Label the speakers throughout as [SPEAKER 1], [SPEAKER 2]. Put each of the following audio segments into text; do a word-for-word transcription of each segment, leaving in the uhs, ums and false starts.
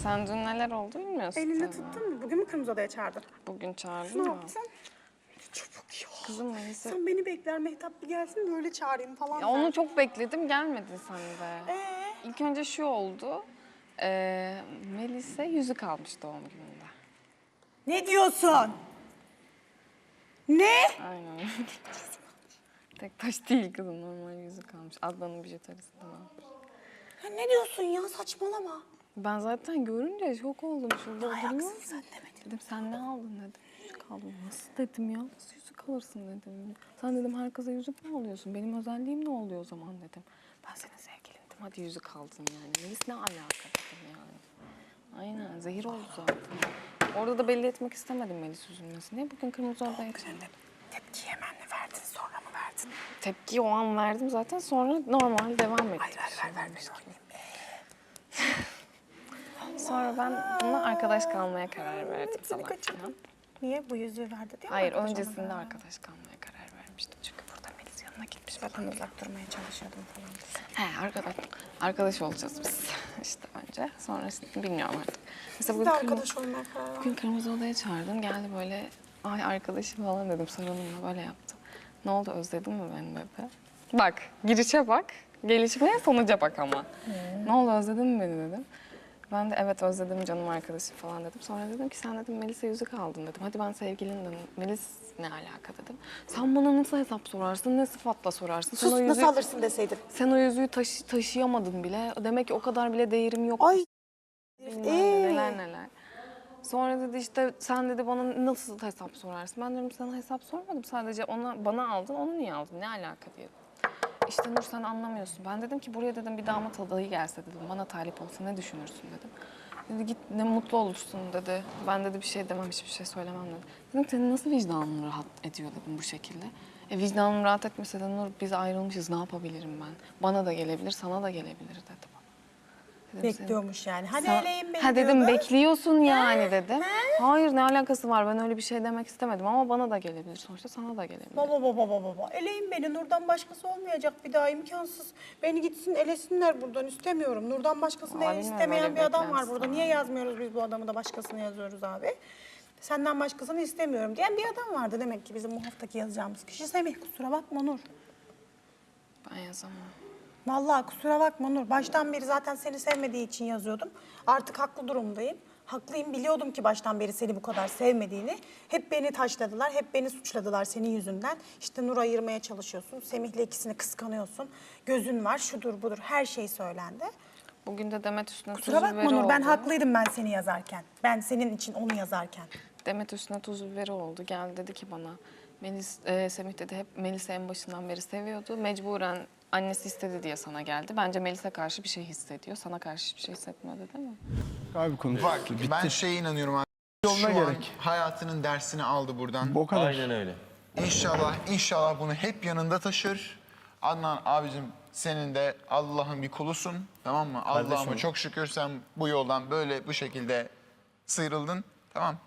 [SPEAKER 1] Sen dün neler oldu bilmiyorsun.
[SPEAKER 2] Elinde
[SPEAKER 1] tabii.
[SPEAKER 2] tuttun mu? Bugün mü Kırmızı Oda'ya çağırdın?
[SPEAKER 1] Bugün çağırdım
[SPEAKER 2] Ne
[SPEAKER 1] ya.
[SPEAKER 2] yaptın? Çabuk ya.
[SPEAKER 1] Kızım Melisa.
[SPEAKER 2] Sen beni bekler, Mehtap bir gelsin böyle çağırayım falan.
[SPEAKER 1] Ya onu çok bekledim, gelmedin sen de.
[SPEAKER 2] Ee?
[SPEAKER 1] İlk önce şu oldu. Ee, Melisa yüzük almış doğum gününde.
[SPEAKER 2] Ne diyorsun? Ne?
[SPEAKER 1] Aynen. Tek taş değil kızım, normal yüzük almış. Adnan'ın bijuterisinden almış.
[SPEAKER 2] Ya ne diyorsun ya? Saçmalama.
[SPEAKER 1] Ben zaten görünce şok oldum. Şurada
[SPEAKER 2] Ayaksın
[SPEAKER 1] oturuyor.
[SPEAKER 2] sen demedin.
[SPEAKER 1] Dedim sen ne aldın dedim. Yüzük aldım. Nasıl dedim ya? Nasıl yüzük alırsın dedim. Sen dedim her kıza yüzük mü alıyorsun? Benim özelliğim ne oluyor o zaman dedim. Ben senin sevgilindim. Hadi yüzük aldın yani. Melis ne alaka dedim yani. Aynen zehir oldu zaten. Orada da belli etmek istemedim Melis üzülmesini. Niye bugün Kırmızı Oda'ya çıktım?
[SPEAKER 2] Tepkiyi hemen mi verdin, sonra mı verdin?
[SPEAKER 1] Tepkiyi o an verdim zaten, sonra normal devam ettim.
[SPEAKER 2] Hayır, ver, ver, ver, ver.
[SPEAKER 1] Sonra ben buna arkadaş kalmaya karar verdim
[SPEAKER 2] Seni
[SPEAKER 1] sabah.
[SPEAKER 2] kaçırdım. Niye? Bu yüzüğü verdi değil mi?
[SPEAKER 1] Hayır,
[SPEAKER 2] arkadaş
[SPEAKER 1] öncesinde
[SPEAKER 2] ona?
[SPEAKER 1] arkadaş kalmaya karar vermiştim. Çünkü burada Melis yanına gitmiş.
[SPEAKER 2] Zaten uzak durmaya çalışıyordum falan.
[SPEAKER 1] He, arkadaş, arkadaş olacağız biz işte önce. Sonra işte bilmiyorum artık. Mesela
[SPEAKER 2] Siz de
[SPEAKER 1] bugün,
[SPEAKER 2] arkadaş olmaya karar verdin.
[SPEAKER 1] bugün Kırmızı Oda'ya çağırdım. Geldi böyle, ay arkadaşım falan dedim, sarılımla böyle yaptı. Ne oldu, özledin mi beni dedi. Bak, girişe bak, gelişmeye sonuca bak ama. Hmm. Ne oldu, özledin mi beni dedim. Ben de evet özledim canım arkadaşım falan dedim. Sonra dedim ki sen dedim Melis'e yüzük aldın dedim. Hadi ben sevgilin dedim. Melis ne alaka dedim. Sen bana nasıl hesap sorarsın, ne sıfatla sorarsın? Sen
[SPEAKER 2] Sus,
[SPEAKER 1] o yüzüğü,
[SPEAKER 2] nasıl alırsın deseydin.
[SPEAKER 1] sen o yüzüğü taşı, taşıyamadın bile. Demek ki o kadar bile değerim yok.
[SPEAKER 2] Ay.
[SPEAKER 1] Bilmem
[SPEAKER 2] Ee?
[SPEAKER 1] ne, neler neler. Sonra dedi işte sen dedi bana nasıl hesap sorarsın? Ben diyorum sana hesap sormadım. Sadece ona bana aldın, onu niye aldın? Ne alaka diye. İşte Nur sen anlamıyorsun. Ben dedim ki buraya dedim bir damat adayı gelse dedim. Bana talip olsa ne düşünürsün dedim. Dedi git ne mutlu olursun dedi. Ben dedi bir şey demem, hiçbir şey söylemem dedi. Dedim senin nasıl vicdanın rahat ediyor dedim bu şekilde. E vicdanım rahat etmese de Nur biz ayrılmışız ne yapabilirim ben? Bana da gelebilir, sana da gelebilir dedi bana. Dedim,
[SPEAKER 2] Bekliyormuş yani. Hani
[SPEAKER 1] Sen-
[SPEAKER 2] eleğim beni
[SPEAKER 1] Ha dedim
[SPEAKER 2] diyordu.
[SPEAKER 1] bekliyorsun yani dedim. Hayır ne alakası var, ben öyle bir şey demek istemedim ama bana da gelebilir sonuçta, sana da gelebilir.
[SPEAKER 2] Baba baba baba baba. Eleğim beni. Nur'dan başkası olmayacak bir daha, imkansız. Beni gitsin elesinler buradan, istemiyorum. Nur'dan başkasını
[SPEAKER 1] Aa,
[SPEAKER 2] el
[SPEAKER 1] bilmiyorum,
[SPEAKER 2] istemeyen
[SPEAKER 1] öyle
[SPEAKER 2] bir adam var
[SPEAKER 1] beklentisi
[SPEAKER 2] burada.
[SPEAKER 1] var.
[SPEAKER 2] Niye yazmıyoruz biz bu adamı da başkasını yazıyoruz abi? Senden başkasını istemiyorum diyen bir adam vardı demek ki bizim bu haftaki yazacağımız kişi. Semih, kusura bakma Nur.
[SPEAKER 1] Ben yazamam.
[SPEAKER 2] Vallahi kusura bakma Nur. Baştan beri zaten seni sevmediği için yazıyordum. Artık haklı durumdayım. Haklıyım, biliyordum ki baştan beri seni bu kadar sevmediğini. Hep beni taşladılar, hep beni suçladılar senin yüzünden. İşte Nur ayırmaya çalışıyorsun, Semih'le ikisini kıskanıyorsun. Gözün var, şudur budur, her şey söylendi.
[SPEAKER 1] Bugün de Demet üstüne
[SPEAKER 2] Kusura
[SPEAKER 1] tuz
[SPEAKER 2] bakma
[SPEAKER 1] biberi
[SPEAKER 2] Nur, ben
[SPEAKER 1] oldu.
[SPEAKER 2] haklıydım ben seni yazarken. Ben senin için onu yazarken.
[SPEAKER 1] Demet üstüne tuz biberi oldu. Geldi dedi ki bana, Melis, e, Semih dedi hep Melis'i en başından beri seviyordu. Mecburen annesi istedi diye sana geldi. Bence Melis'e karşı bir şey hissediyor. Sana karşı hiçbir şey hissetmiyordu değil mi?
[SPEAKER 3] Abi konuş.
[SPEAKER 4] Bak
[SPEAKER 3] Bitti.
[SPEAKER 4] ben şeye inanıyorum abi.
[SPEAKER 3] Yoluna
[SPEAKER 4] Şu an
[SPEAKER 3] gerek.
[SPEAKER 4] hayatının dersini aldı buradan.
[SPEAKER 3] O kadar.
[SPEAKER 5] Aynen öyle.
[SPEAKER 4] İnşallah, inşallah bunu hep yanında taşır. Adnan abicim senin de Allah'ın bir kulusun. Tamam mı? Allah'ıma çok şükür sen bu yoldan böyle bu şekilde sıyrıldın. Tamam.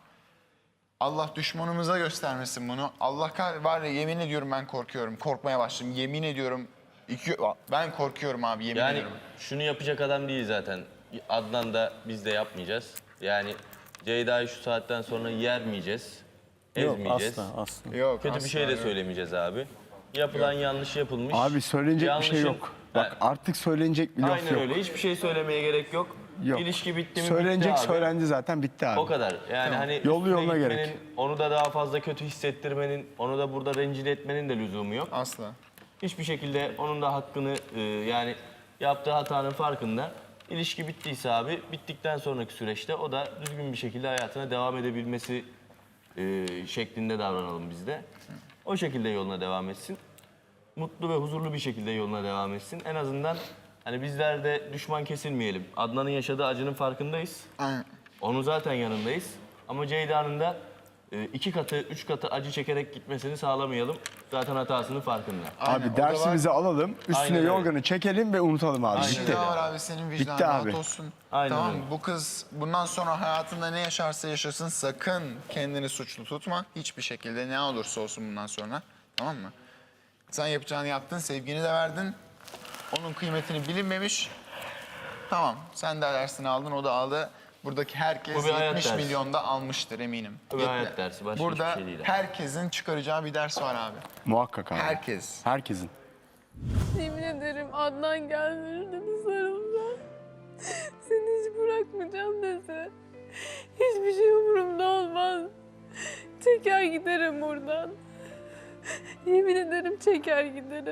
[SPEAKER 4] Allah düşmanımıza göstermesin bunu. Allah kah var ya yemin ediyorum ben korkuyorum. Korkmaya başladım. Yemin ediyorum. İki, ben korkuyorum abi yemin
[SPEAKER 5] Yani
[SPEAKER 4] ediyorum.
[SPEAKER 5] şunu yapacak adam değil zaten. Adnan da biz de yapmayacağız. Yani Ceyda'yı şu saatten sonra yermeyeceğiz.
[SPEAKER 3] Yok
[SPEAKER 5] Ezmeyeceğiz.
[SPEAKER 3] asla asla.
[SPEAKER 4] Yok,
[SPEAKER 5] Kötü bir
[SPEAKER 4] asla
[SPEAKER 5] şey de
[SPEAKER 4] yok.
[SPEAKER 5] söylemeyeceğiz abi. Yapılan yanlış yapılmış.
[SPEAKER 3] Abi söylenecek bir şey
[SPEAKER 5] Yanlışın-
[SPEAKER 3] yok. Bak
[SPEAKER 5] Ha,
[SPEAKER 3] artık söylenecek bir laf
[SPEAKER 5] aynen
[SPEAKER 3] yok.
[SPEAKER 5] öyle. Hiçbir şey söylemeye gerek yok.
[SPEAKER 3] Yok.
[SPEAKER 5] İlişki bitti mi
[SPEAKER 3] Söylenecek
[SPEAKER 5] bitti abi.
[SPEAKER 3] söylendi zaten bitti abi.
[SPEAKER 5] O kadar. Yani hani
[SPEAKER 3] Yolu
[SPEAKER 5] üstüne
[SPEAKER 3] yoluna
[SPEAKER 5] gitmenin,
[SPEAKER 3] gerek.
[SPEAKER 5] onu da daha fazla kötü hissettirmenin, onu da burada rencide etmenin de lüzumu yok.
[SPEAKER 4] Asla.
[SPEAKER 5] Hiçbir şekilde onun da hakkını e, yani yaptığı hatanın farkında. İlişki bittiyse abi bittikten sonraki süreçte o da düzgün bir şekilde hayatına devam edebilmesi e, şeklinde davranalım biz de. O şekilde yoluna devam etsin. Mutlu ve huzurlu bir şekilde yoluna devam etsin. En azından hani bizler de düşman kesilmeyelim. Adnan'ın yaşadığı acının farkındayız.
[SPEAKER 4] Aynen.
[SPEAKER 5] Onun zaten yanındayız. Ama Ceyda'nın da e, iki katı, üç katı acı çekerek gitmesini sağlamayalım. Zaten hatasının farkında.
[SPEAKER 4] Aynen,
[SPEAKER 3] Abi
[SPEAKER 4] o da
[SPEAKER 3] dersimizi alalım, üstüne
[SPEAKER 5] Aynen öyle.
[SPEAKER 3] yorganı çekelim ve unutalım abi.
[SPEAKER 5] Aynen
[SPEAKER 4] Bir şey
[SPEAKER 3] Bitti.
[SPEAKER 4] daha var abi senin vicdanın
[SPEAKER 3] Bitti
[SPEAKER 4] rahat
[SPEAKER 3] abi.
[SPEAKER 4] olsun.
[SPEAKER 5] Aynen
[SPEAKER 4] tamam
[SPEAKER 5] öyle.
[SPEAKER 4] mı? Bu kız bundan sonra hayatında ne yaşarsa yaşasın sakın kendini suçlu tutma. Hiçbir şekilde ne olursa olsun bundan sonra. Tamam mı? Sen yapacağını yaptın, sevgini de verdin. Onun kıymetini bilinmemiş. Tamam, sen de dersini aldın, o da aldı. Buradaki herkes
[SPEAKER 5] Bu bir hayat
[SPEAKER 4] yetmiş
[SPEAKER 5] dersi.
[SPEAKER 4] milyonda almıştır eminim.
[SPEAKER 5] Bu bir
[SPEAKER 4] Yetme-
[SPEAKER 5] hayat dersi, başka
[SPEAKER 4] Burada
[SPEAKER 5] hiçbir şey değil abi.
[SPEAKER 4] herkesin çıkaracağı bir ders var abi.
[SPEAKER 3] Muhakkak abi.
[SPEAKER 4] Herkes.
[SPEAKER 3] Herkesin.
[SPEAKER 1] Yemin ederim Adnan geldi dedi sarıldı. Seni hiç bırakmayacağım dedi. Hiçbir şey umurumda olmaz. Çeker giderim buradan. Yemin ederim çeker giderim.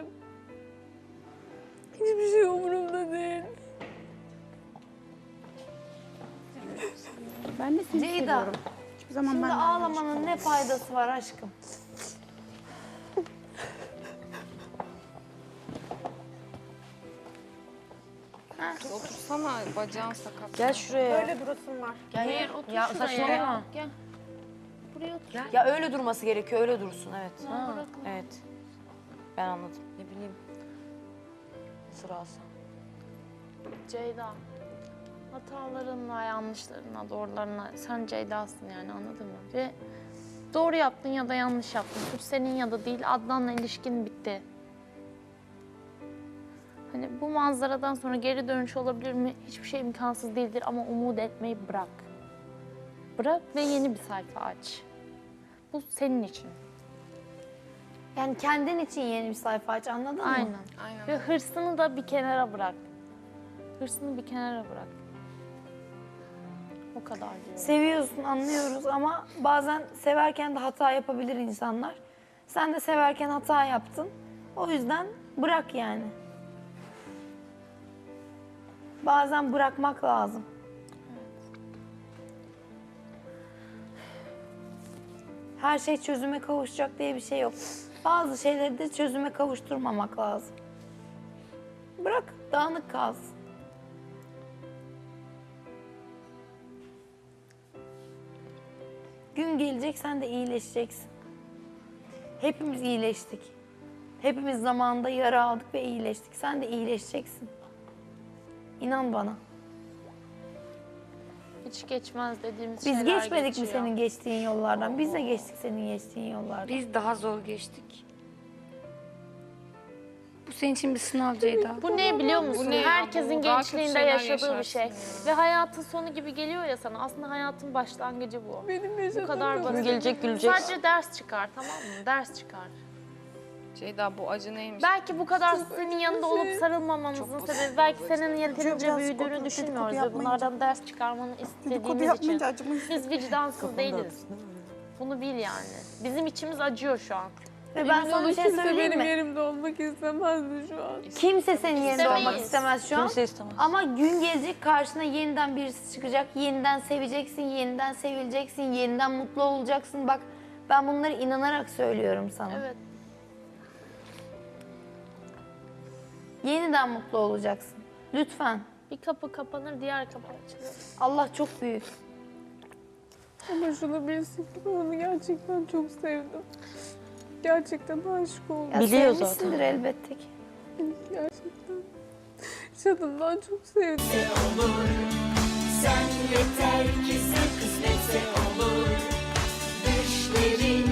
[SPEAKER 1] Hiçbir şey umurumda değil.
[SPEAKER 6] Ben de seni
[SPEAKER 7] Ceyda,
[SPEAKER 6] seviyorum. Hiçbir zaman
[SPEAKER 7] şimdi
[SPEAKER 6] benden
[SPEAKER 7] ağlamanın ne faydası var aşkım?
[SPEAKER 1] Otursana, bacağın sakat.
[SPEAKER 7] Gel şuraya.
[SPEAKER 2] Öyle durasın var.
[SPEAKER 7] Hayır, otur ya,
[SPEAKER 6] şuraya.
[SPEAKER 7] saçmalama.
[SPEAKER 6] Gel. Buraya otur. Gel.
[SPEAKER 7] Ya öyle durması gerekiyor, öyle dursun evet. Evet. Ben anladım.
[SPEAKER 6] Ne bileyim.
[SPEAKER 7] Sırası.
[SPEAKER 8] Ceyda, hatalarınla, yanlışlarınla, doğrularına sen Ceyda'sın yani anladın mı? Ve doğru yaptın ya da yanlış yaptın. Suç senin ya da değil, Adnan'la ilişkin bitti. Hani bu manzaradan sonra geri dönüş olabilir mi? Hiçbir şey imkansız değildir ama umut etmeyi bırak. Bırak ve yeni bir sayfa aç. Bu senin için.
[SPEAKER 7] Yani kendin için yeni bir sayfa aç, anladın mı?
[SPEAKER 8] Aynen.
[SPEAKER 1] Aynen.
[SPEAKER 8] Ve hırsını da bir kenara bırak. Hırsını bir kenara bırak. O kadar diyorum.
[SPEAKER 7] Seviyorsun, anlıyoruz ama bazen severken de hata yapabilir insanlar. Sen de severken hata yaptın. O yüzden bırak yani. Bazen bırakmak lazım. Her şey çözüme kavuşacak diye bir şey yok. Bazı şeyleri de çözüme kavuşturmamak lazım. Bırak, dağınık kalsın. Gün gelecek, sen de iyileşeceksin. Hepimiz iyileştik. Hepimiz zamanında yara aldık ve iyileştik. Sen de iyileşeceksin. İnan bana.
[SPEAKER 8] Hiç geçmez dediğimiz
[SPEAKER 7] Biz
[SPEAKER 8] şeyler
[SPEAKER 7] geçmedik
[SPEAKER 8] geçiyor.
[SPEAKER 7] mi senin geçtiğin yollardan? Biz de geçtik senin geçtiğin yollardan.
[SPEAKER 6] Biz daha zor geçtik. Bu senin için bir sınav Ceyda.
[SPEAKER 8] Bu ne biliyor musun?
[SPEAKER 1] Bu ne ya?
[SPEAKER 8] Herkesin
[SPEAKER 1] Bu daha kötü
[SPEAKER 8] gençliğinde
[SPEAKER 1] şeyler
[SPEAKER 8] yaşadığı bir
[SPEAKER 1] yaşarsın
[SPEAKER 8] şey.
[SPEAKER 1] ya.
[SPEAKER 8] Ve hayatın sonu gibi geliyor ya sana. Aslında hayatın başlangıcı bu.
[SPEAKER 1] Benim yaşadığım
[SPEAKER 8] Bu kadar basit.
[SPEAKER 7] Gelecek gülecek.
[SPEAKER 8] Sadece ders çıkar tamam mı? Ders çıkar.
[SPEAKER 1] Ceyda bu acı neymiş?
[SPEAKER 8] Belki bu kadar senin yanında olup sarılmamamızın sebebi belki senin yeterince
[SPEAKER 2] biraz
[SPEAKER 8] büyüdüğünü
[SPEAKER 2] dedikodu
[SPEAKER 8] düşünmüyoruz ve
[SPEAKER 2] yapmayınca-
[SPEAKER 8] bunlardan ders çıkarmanı
[SPEAKER 2] Dedikodu
[SPEAKER 8] istediğimiz için.
[SPEAKER 2] yapmayınca acımayız.
[SPEAKER 8] Biz vicdansız değiliz. Bunu bil yani. Bizim içimiz acıyor şu an.
[SPEAKER 7] Ve ben sana bir şey söyleyeyim mi?
[SPEAKER 1] yerimde olmak istemezdi şu an.
[SPEAKER 7] Kimse senin yerinde
[SPEAKER 8] İstemeyiz.
[SPEAKER 7] olmak istemez şu an.
[SPEAKER 6] Kimse istemez.
[SPEAKER 7] Ama gün gelecek karşına yeniden birisi çıkacak. Yeniden seveceksin, yeniden sevileceksin, yeniden mutlu olacaksın. Bak ben bunları inanarak söylüyorum sana.
[SPEAKER 8] Evet.
[SPEAKER 7] Yeniden mutlu olacaksın. Lütfen.
[SPEAKER 8] Bir kapı kapanır, diğer kapı açılır.
[SPEAKER 7] Allah çok büyük.
[SPEAKER 1] Ama şunu bilsin ki ben onu gerçekten çok sevdim. Gerçekten aşık oldum.
[SPEAKER 7] Ya
[SPEAKER 6] Biliyor
[SPEAKER 7] sevmişsindir elbette ki.
[SPEAKER 1] Gerçekten. Şadımdan çok sevdim.
[SPEAKER 9] Sen yeter ki sen kısmetse olur. Düşlerin